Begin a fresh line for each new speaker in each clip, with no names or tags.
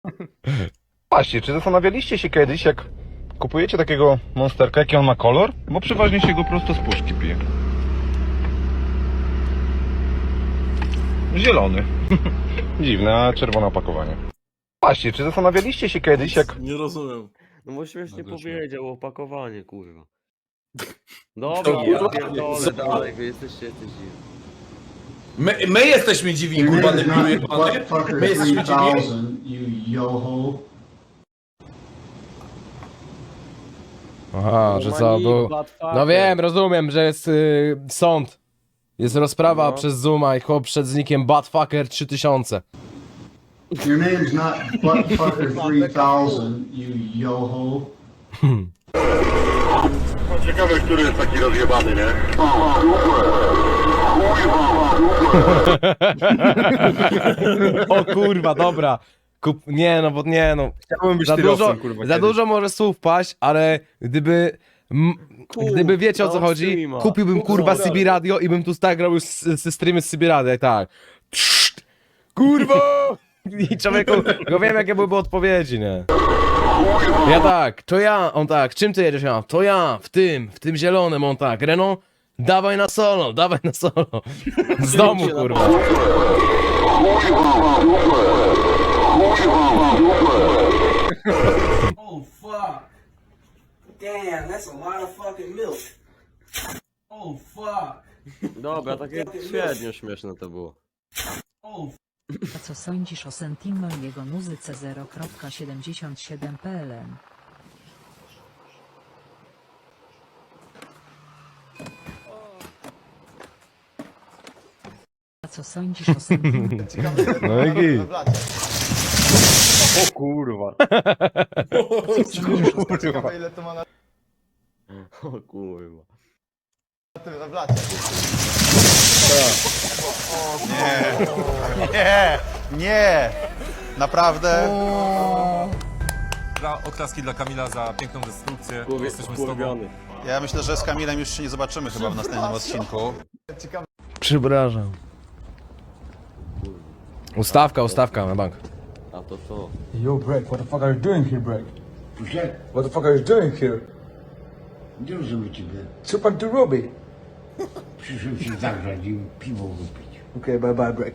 Właśnie, czy zastanawialiście się kiedyś, jak kupujecie takiego monsterka, jaki on ma kolor? Bo przeważnie się go prosto z puszki pije. Zielony. Dziwne, a czerwone opakowanie. Właśnie, czy zastanawialiście się kiedyś, jak...
Nie rozumiem.
No bo śmiesznie
Nagle się-
powiedział opakowanie, kurwa. Dobra,
To
ja
kurwa,
pierdolę
co?
dalej, wy jesteście dziwni.
My jesteśmy dziwi, kurwa, debilu jebany. My jesteśmy dziwi.
Aha, że co, był... No wiem, rozumiem, że jest sąd. Jest rozprawa
No.
przez Zooma i chłop przed znikiem Buttfucker 3000.
Your name's not Buttfucker 3000, you yo-ho.
Ciekawe, który jest taki rozjebany, nie?
O kurwa, dobra. Nie no, bo nie no.
Chciałbym być
Za dużo,
tyrowcem, kurwa,
za
kiedyś.
dużo może słów paść, ale gdyby wiecie o co
no,
chodzi,
streama.
kupiłbym kurwa CB Radio i bym tu tak robił ze streamy z CB Radio, tak. Trzt, kurwa! I człowieku, go wiem jakie byłyby odpowiedzi, nie? Ja tak, to ja, on tak, czym ty jedziesz? Ja, to ja, w tym zielonym, on tak, Renault, dawaj na solo, z domu kurwa.
Oh fuck. Damn, that's a lot of fucking milk. Oh fuck.
Dobra, takie średnio śmieszne to było.
Oh
A co sądzisz o Sentimo i jego muzyce 0.77 PLN? A co sądzisz o Sentimo?
No i git.
O kurwa.
Ciekawe ile to ma na
O kurwa.
tym w lacie.
Nie! Naprawdę?
Oklaski dla Kamila za piękną destrukcję. Jesteśmy z tobą.
Kurwiony.
Ja myślę, że z Kamilem już się nie zobaczymy chyba w następnym odcinku.
Przepraszam. Ustawka na bank.
A to to.
Yo, Break, what the fuck are you doing here, Break? What the fuck are you doing here?
Nie rozumiem ciebie.
Co pan tu robi?
Przyszedłem się zagrzać i piwo wypić.
Okej, bye bye, Break.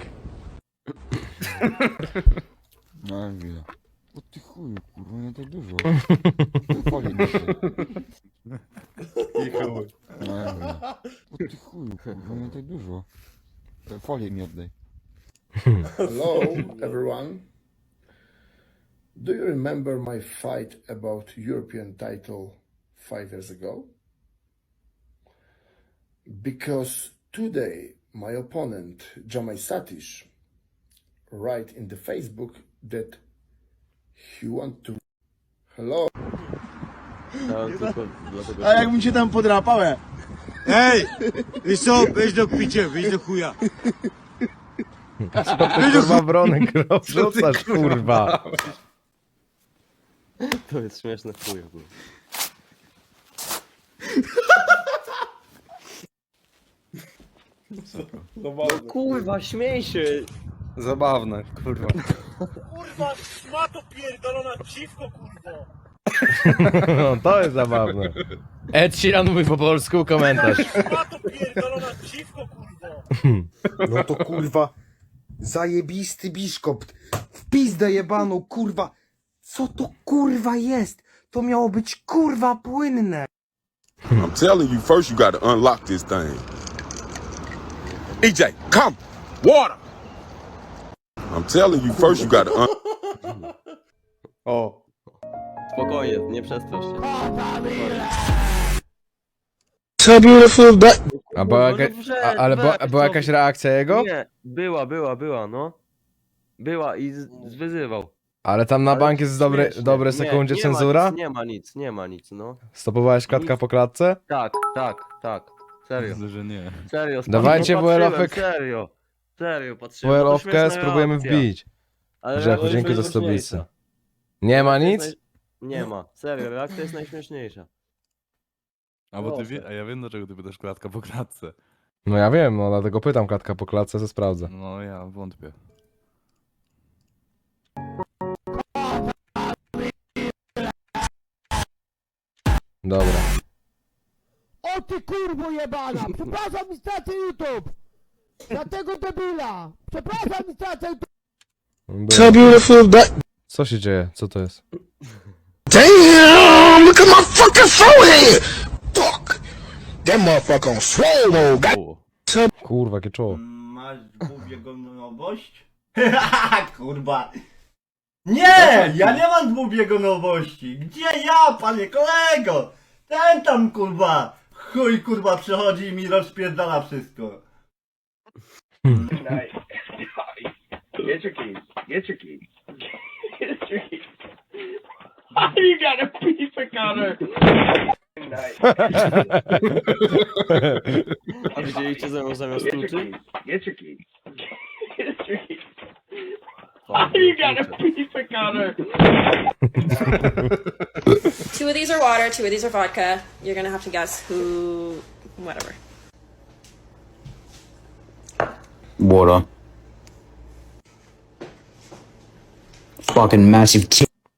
No chwilę. O ty chuju, kurwa, nie tak dużo. Folię mi się. No chwilę. O ty chuju, kurwa, nie tak dużo. Folię mi oddaj.
Hello, everyone. Do you remember my fight about European title 5 years ago? Because today my opponent, Jamai Satish, write in the Facebook that he want to... Hello?
Dałem tylko dlatego,
A jakbym cię tam podrapałem?
Ej! Wiesz co? Weź do picia, weź do chuja.
Kurwa bronek rzucasz, kurwa.
to jest śmieszne w chuju, kurwa. No kurwa, śmiej się!
Zabawne, kurwa.
Kurwa, szmato pierdolona dziwko, kurwa.
No, to jest zabawne. Ed Sheeran mówi po polsku, komentarz.
Szmato pierdolona dziwko, kurwa.
No to kurwa, zajebisty biszkop, w pizdę jebaną, kurwa, co to kurwa jest? To miało być kurwa płynne.
I'm telling you, first you gotta unlock this thing. EJ, come! Water! I'm telling you, first you gotta
O.
Spokojnie, nie przestrasz się.
A była, ale była jakaś reakcja jego?
Nie, była, no. Była i wyzywał.
Ale tam na
Ale
bank jest dobre
Nie,
sekundzie
nie
cenzura?
Nie ma nic, no.
Stopowałeś klatka po klatce?
Tak. Serio.
Myślę, że nie.
Serio,
Dawajcie
patrzyłem,
WL-owek.
Serio, patrzyłem. bo to
WL-owkę
śmieszna
spróbujemy
reakcja.
wbić.
Ale
Grzechu,
reakcja
dzięki za
jest
stolicy.
najśmieszniejsza.
Nie ma
Reakcja jest
nic?
Nie ma, serio, reakcja jest najśmieszniejsza.
A bo a ja wiem, dlaczego ty pytasz klatka po klatce.
No ja wiem, no dlatego pytam klatka po klatce, co sprawdzę.
No ja wątpię.
Dobra.
O ty kurwo jebana! Przepraszam, mi stracę YouTube! Za tego debila! Przepraszam, mi stracę YouTube!
So beautiful Co się dzieje? Co to jest?
Damn! Look at my fucking forehead! Fuck! That motherfucker on swole mode.
Kurwa, jakie czoło.
Masz dwubiegunowość? Kurwa. Nie! Ja nie mam dwubiegunowości! Gdzie ja, panie kolego? Ten tam kurwa! Chuj kurwa przychodzi i mi rozpierdala wszystko.
Get your keys. Get your keys. Get your keys. You got a pizza cutter.
A widzieliście ze mną zamiast tuczy?
Get your keys. Get your keys.
You
got a pizza cutter.
Two of these are water, two of these are vodka. You're gonna have to guess who... whatever.
Water. Fucking massive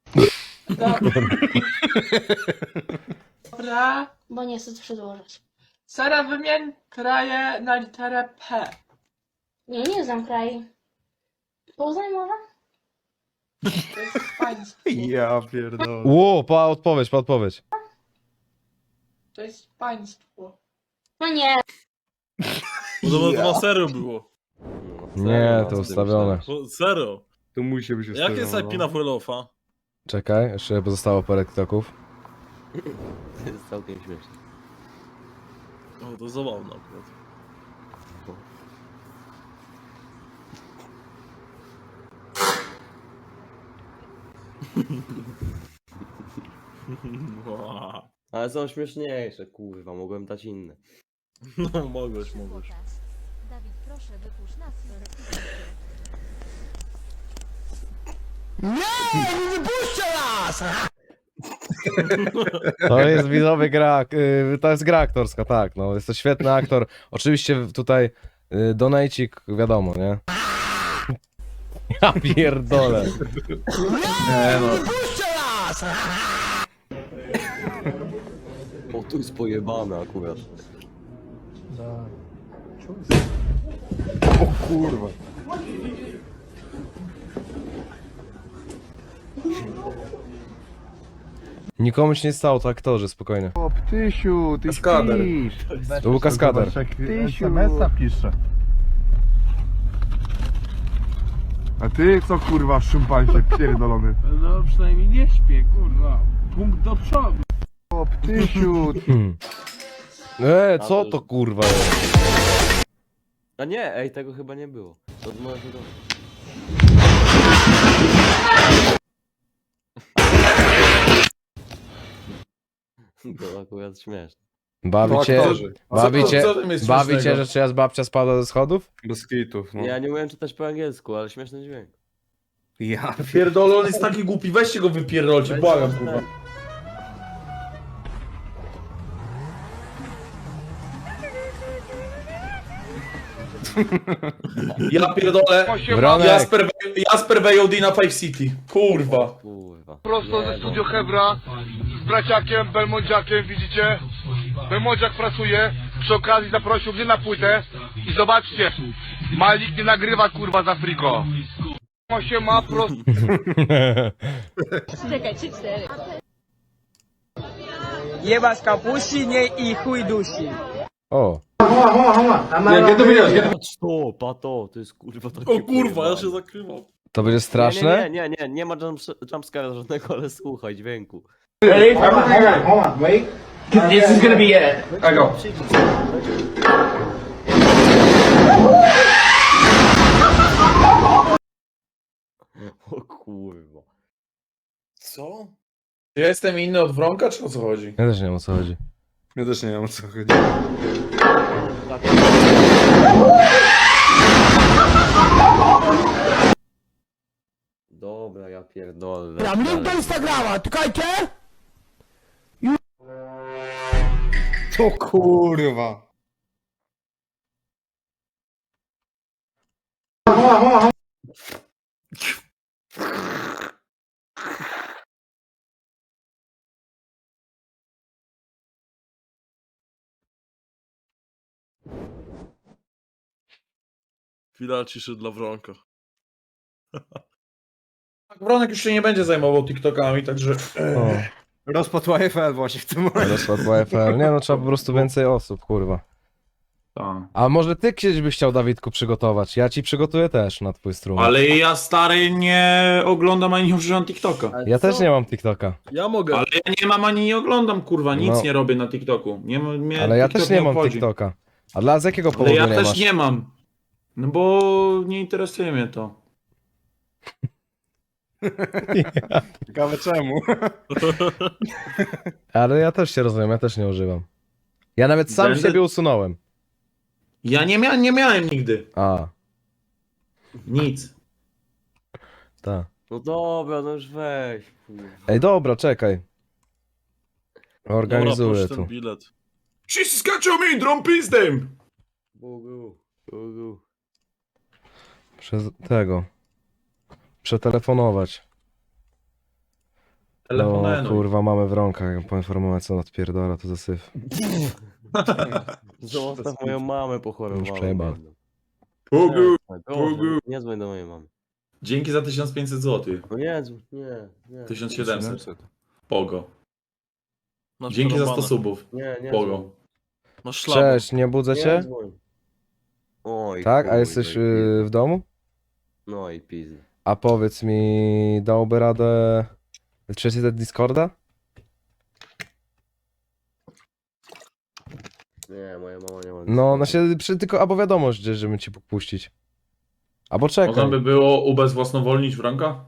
Dobra, bo nie chcę przedłużać.
Sara, wymień kraje na literę P.
Nie znam kraju. Poznań może?
To jest państwo.
Ja pierdolę.
Ło, pa odpowiedź.
To jest państwo.
No nie.
To na serio było.
Nie, to ustawione.
Serio.
To musi być
Jak jest IP na Wolofa?
Czekaj, jeszcze pozostało parę TikToków.
To jest całkiem śmieszne.
O, to zabawne akurat.
Ale są śmieszniejsze, kurwa, mogłem dać inne.
No, mogłeś.
Dawid, proszę, wypuść nas.
To jest widzowy gra, to jest gra aktorska, tak, no, jest to świetny aktor. Oczywiście tutaj donajcik, wiadomo, nie? Ja pierdolę.
O, tu jest pojebane akurat.
Nikomu się nie stało, to aktorzy, spokojnie.
O, Ptysiu, ty
Kaskader.
śpisz.
To był kaskader.
SMS-a pisze. A ty co kurwa szumpancie pierdolony?
No przynajmniej nie śpię, kurwa. Punkt do przodu.
O, Ptysiu.
Co to kurwa jest?
A nie, ej, tego chyba nie było. To od mojego domu. To akurat śmieszne.
Bawi cię, że czyjaś babcia spadła ze schodów?
Bez kitów, no.
Ja nie umiem czytać po angielsku, ale śmieszny dźwięk.
Ja
Pierdolę, on jest taki głupi, weźcie go wypierdolcie, błagam kurwa. Ja pierdolę.
Wronek.
Jasper VOD na Five City. Kurwa.
Kurwa.
Prosto ze studio Hebra z braciakiem Belmondziakiem, widzicie? Belmondziak pracuje, przy okazji zaprosił mnie na płytę i zobaczcie, Malik nie nagrywa kurwa za friko. Się ma prosto.
Czekaj, 3-4.
Jeba z kapuścinie i chuj dusi.
O,
Patrz to, pato, to jest kurwa takie
O kurwa,
pojebane.
ja się zakrywam.
to będzie straszne?
Nie ma jumpscare'a żadnego, ale słuchaj dźwięku.
This is gonna be it. I go.
O kurwa.
Co? Ja jestem inny od Wronka, czy o co chodzi?
Ja też nie wiem o co chodzi.
Ja też nie wiem o co chodzi.
Dobra, ja pierdolę.
Link do Instagrama, czekajcie!
To kurwa.
Chwila ciszy dla Wronka.
Wronek już się nie będzie zajmował TikTokami, także...
O,
Rozpad YFL właśnie w tym momencie.
rozkład YFL. Nie no, trzeba po prostu więcej osób, kurwa.
Tak.
A może ty kiedyś byś chciał, Dawidku, przygotować? Ja ci przygotuję też na twój strum.
Ale ja, stary, nie oglądam ani nie używam TikToka.
Ale
Ja
co?
też nie mam TikToka.
Ja mogę.
Ale ja nie mam ani nie oglądam, kurwa, nic
No.
nie robię na TikToku. Nie, mnie
Ale ja
TikTok
też nie mam
obchodzi.
TikToka. A z jakiego
Ale
powodu
ja
nie
też
masz?
nie mam. No bo nie interesuje mnie to.
Ciekawe czemu.
Ale ja też się rozumiem, ja też nie używam. Ja nawet sam
Będę-
siebie usunąłem.
Ja nie miałem nigdy.
A,
Nic.
tak.
No dobra, no już weź. Kurwa.
Ej, dobra, czekaj. Organizuję
Dobra,
tu.
ten bilet.
Wszyscy skaczą mi, drą pizdem!
Bogu, Bogu.
Przez tego. Przetelefonować. No
Telefonuj.
kurwa, mamy Wronka. Jak poinformować, co on odpierdala, to zasyf.
Zostaw moją mamę pochorowałą.
Już przejebał.
Bogu,
Bogu.
Bogu.
Nie dzwoń do mojej mamy.
Dzięki za 1500 zł.
No nie dzwoń, nie.
1700. Pogo.
Masz
Dzięki za 100
przerąbane.
subów.
Nie
Pogo.
Masz szlabę.
Cześć, nie budzę
Nie
cię?
dzwoń. Oj,
Tak? A
kurwa,
jesteś
i pizda.
w domu?
No i pizdy.
A powiedz mi, dałby radę przeczytać Discorda?
Nie, moja mama nie ma.
No, na się tylko albo wiadomość, żeby ci puścić. Albo czekaj.
Można by było ubezwłasnowolnić Wronka?